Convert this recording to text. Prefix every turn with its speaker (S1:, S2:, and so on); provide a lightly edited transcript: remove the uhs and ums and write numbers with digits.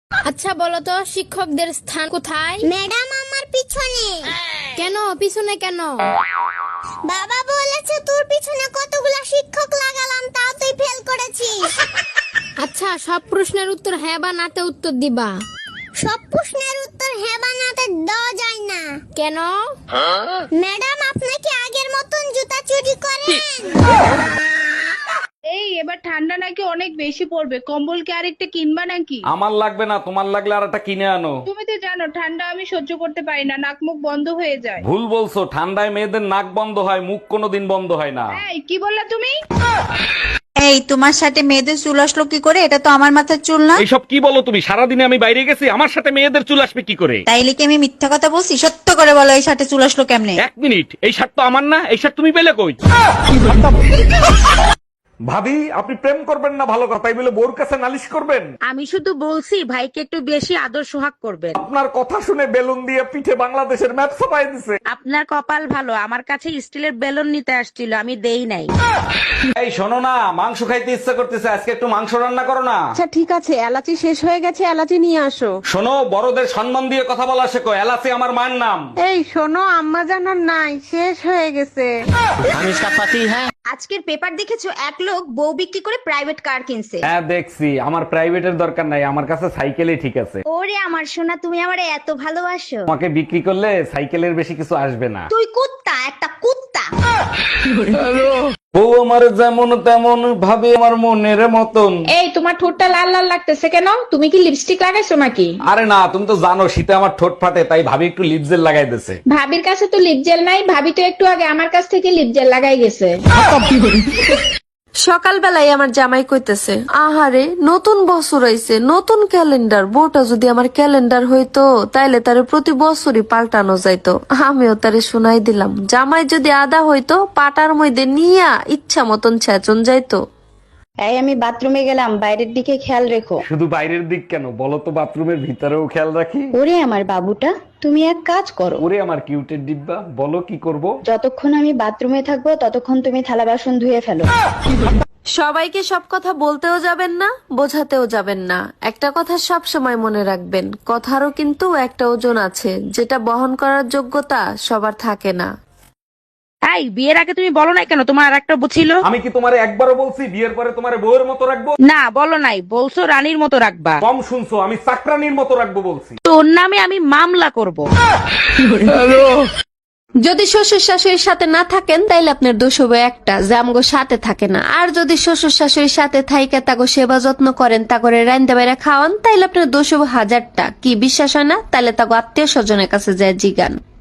S1: আচ্ছা বলো তো, শিক্ষকদের স্থান কোথায়?
S2: ম্যাডাম আমার পিছনে।
S1: কেন পিছনে কেন?
S2: বাবা বলেছে তোর পিছনে কতগুলা শিক্ষক লাগালাম তাও তুই ফেল করেছিস।
S1: আচ্ছা, সব প্রশ্নের উত্তর হ্যাঁ বা নাতে উত্তর দিবা।
S2: সব প্রশ্নের উত্তর হ্যাঁ বা নাতে দেওয়া যায় না।
S1: কেন?
S2: ম্যাডাম আপনি কি আগের মতন জুতা চুরি করেন?
S3: এই এবার ঠান্ডা নাকি অনেক বেশি পড়বে, কম্বল কি আরেকটা কিনবা নাকি?
S4: আমার লাগবে না, তোমার লাগলে আর একটা কিনে আনো।
S3: তুমি তো জানো ঠান্ডা আমি সহ্য করতে পারি না, নাক মুখ বন্ধ হয়ে যায়।
S4: ভুল বলছো, ঠান্ডায় মেয়েদের নাক বন্ধ হয়, মুখ কোনোদিন বন্ধ হয় না।
S3: এই কি বললা তুমি?
S5: এই তোমার সাথে মেয়েদের চুল আসলো কি করে? এটা তো আমার মাথার চুল না।
S4: এইসব কি বলো তুমি? সারাদিনে আমি বাইরে গেছি, আমার সাথে মেয়েদের চুল আসবে কি করে?
S5: তাইলে কি আমি মিথ্যা কথা বলছি? সত্য করে বলো, এই সাথে চুল আসলো কেমনে?
S4: এক মিনিট, এই শার্ট তো আমার না, এই শার্ট তুমি পেলে কই? ভাবি, আপনি প্রেম করবেন না ভালো কথাই বলে বোর কাছে নালিশ করবেন?
S6: আমি শুধু বলছি ভাইকে একটু বেশি আদর সোহাগ করবেন।
S4: আপনার কথা শুনে বেলুন দিয়ে পিঠে বাংলাদেশের ম্যাপ ছাপাই দিছে।
S6: আপনার কপাল ভালো, আমার কাছে স্টিলের বেলুন নিতে আসছিল, আমি দেই নাই।
S4: এই শোনো না, মাংস খাইতে ইচ্ছা করতেছে, আজকে একটু মাংস রান্না করো না।
S7: আচ্ছা ঠিক আছে, এলাচি শেষ হয়ে গেছে, এলাচি নিয়ে আসো।
S4: শোনো, বড়দের সম্মান দিয়ে কথা বলা শেখো, এলাচি আমার মায়ের নাম।
S7: এই শোনো, আম্মা জানার নাই, শেষ হয়ে গেছে।
S8: আজকের পেপার দেখেছো, এক লোক বউ বিক্রি করে প্রাইভেট কার কিনছে।
S4: হ্যাঁ দেখছি, আমার প্রাইভেটের দরকার নাই, আমার কাছে সাইকেলই ঠিক আছে।
S8: ওরে আমার সোনা, তুমি আমারে এত ভালোবাসো।
S4: তোমাকে বিক্রি করলে সাইকেলের বেশি কিছু আসবে না।
S8: তুই কুত্তা, একটা কুত্তা।
S4: বউ আমার যেমন তেমন, ভাবে আমার মনের মতন।
S3: এই তোমার ঠোঁটটা লাল লাল লাগতেছে কেন? তুমি কি লিপস্টিক লাগাইছো নাকি?
S4: আরে না, তুমি তো জানো শীতে আমার ঠোঁট ফাটে, তাই ভাবি একটু লিপ জেল লাগাই দিছে।
S3: ভাবির কাছে তো লিপ জেল নাই, ভাবি তো একটু আগে আমার কাছ থেকে লিপ জেল লাগাই গেছে।
S9: সকালবেলায় আমার জামাই কইতেছে, আহারে নতুন বছর আইছে, নতুন ক্যালেন্ডার, বউটা যদি আমার ক্যালেন্ডার হইতো তাইলে তারে প্রতি বছরই পাল্টানো যাইতো। আমিও তারে শুনাই দিলাম, জামাই যদি আদা হইতো পাটার মধ্যে নিয়া ইচ্ছা মতন ছেচন যাইতো।
S10: এই আমি বাথরুমে গেলাম, বাইরের দিকে খেয়াল রেখো।
S4: শুধু বাইরের দিক কেন, বলো তো বাথরুমের ভিতরেও খেয়াল রাখি।
S10: ওরে আমার বাবুটা, তুমি এক কাজ করো।
S4: ওরে আমার কিউটের ডিব্বা, বলো কি করব?
S10: যতক্ষণ আমি বাথরুমে থাকবো ততক্ষণ তুমি থালা বাসন ধুয়ে ফেলো।
S9: সবাইকে সব কথা বলতেও যাবেন না, বোঝাতেও যাবেন না। একটা কথা সব সময় মনে রাখবেন, কথারও কিন্তু একটা ওজন আছে, যেটা বহন করার যোগ্যতা সবার থাকে না।
S6: তাই বিয়ের আগে তুমি বলো নাই কেন তোমার আর একটা ছিল?
S4: আমি কি তোমারে একবারও বলছি বিয়ের পরে তোমারে বউয়ের মতো রাখবো?
S6: না বলো নাই, বলছো রানীর মতো রাখবা।
S4: কম শুনছো, আমি চাকরানির মতো রাখবো বলছি।
S6: তোর নামে আমি মামলা করব।
S9: যদি শ্বশুর শাশুড়ির সাথে না থাকেন তাইলে আপনার দোষ হবে একটা, যে আমগো সাথে থাকে না। আর যদি শ্বশুর শাশুড়ির সাথে থাইকা তাগো সেবা যত্ন করেন, তা করে রাইন্দা বাইরে খাওয়ান, তাইলে আপনার দোষ হবে হাজারটা। কি বিশ্বাস হয় না? তাইলে তাগো আত্মীয় স্বজনের কাছে যায় জিগান।